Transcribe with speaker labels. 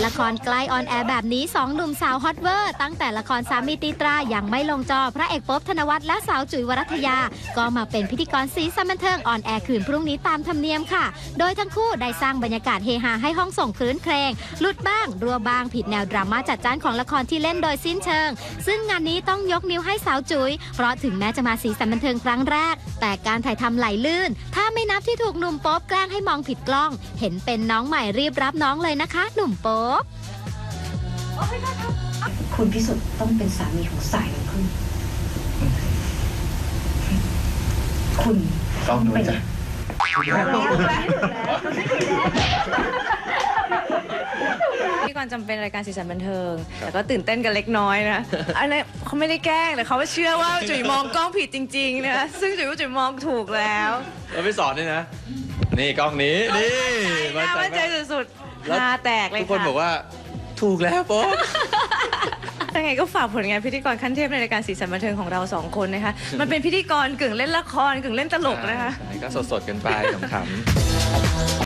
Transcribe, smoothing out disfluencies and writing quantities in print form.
Speaker 1: ละครใกล้ออนแอร์แบบนี้2หนุ่มสาวฮอตเวอร์ตั้งแต่ละครสามีตีตรายังไม่ลงจอพระเอกป๊อบธนวัฒน์และสาวจุ๋ยวรัตยาก็มาเป็นพิธีกรสีสันบันเทิงออนแอร์คืนพรุ่งนี้ตามธรรมเนียมค่ะโดยทั้งคู่ได้สร้างบรรยากาศเฮฮาให้ห้องส่งคลื้นเครงหลุดบ้างรัวบ้างผิดแนวดราม่าจัดจ้านของละครที่เล่นโดยสิ้นเชิงซึ่งงานนี้ต้องยกนิ้วให้สาวจุ๋ยเพราะถึงแม้จะมาสีสันบันเทิงครั้งแรกแต่การถ่ายทำไหลลื่นถ้าไม่นับที่ถูกหนุ่มโป๊ปแกล้งให้มองผิดกล้องเห็นเป็นน้องใหม่รีบรับน้องเลยนะคะหนุ่มโป๊ป
Speaker 2: คุณพิสุทธิ์ต้องเป็นสามีของสายน้ำผึ้งคุณ
Speaker 3: ต้องเป็น
Speaker 4: พี่กรณ์จำเป็นรายการสีสันบันเทิงแต่ก็ตื่นเต้นกันเล็กน้อยนะอันนี้เขาไม่ได้แกล้งแต่เขาเชื่อว่าจุ๋ยมองกล้องผิดจริงๆนะซึ่งจุ๋ยว่าจุ๋ยมองถูกแล้ว
Speaker 3: เราไปสอนด้วยนะนี่กล้องนี้นี่
Speaker 4: มั่นใจสุดๆตาแตกเลยค่ะ
Speaker 3: ทุกคนบอกว่าถูกแล้วโป๊ะ
Speaker 4: ยังไงก็ฝากผลงานพิธีกรขั้นเทพในรายการสีสันบันเทิงของเรา2คนนะคะมันเป็นพิธีกรกึ่งเล่นละครกึ่งเล่นตลกนะคะ
Speaker 3: ก็สดๆกันไปขำๆ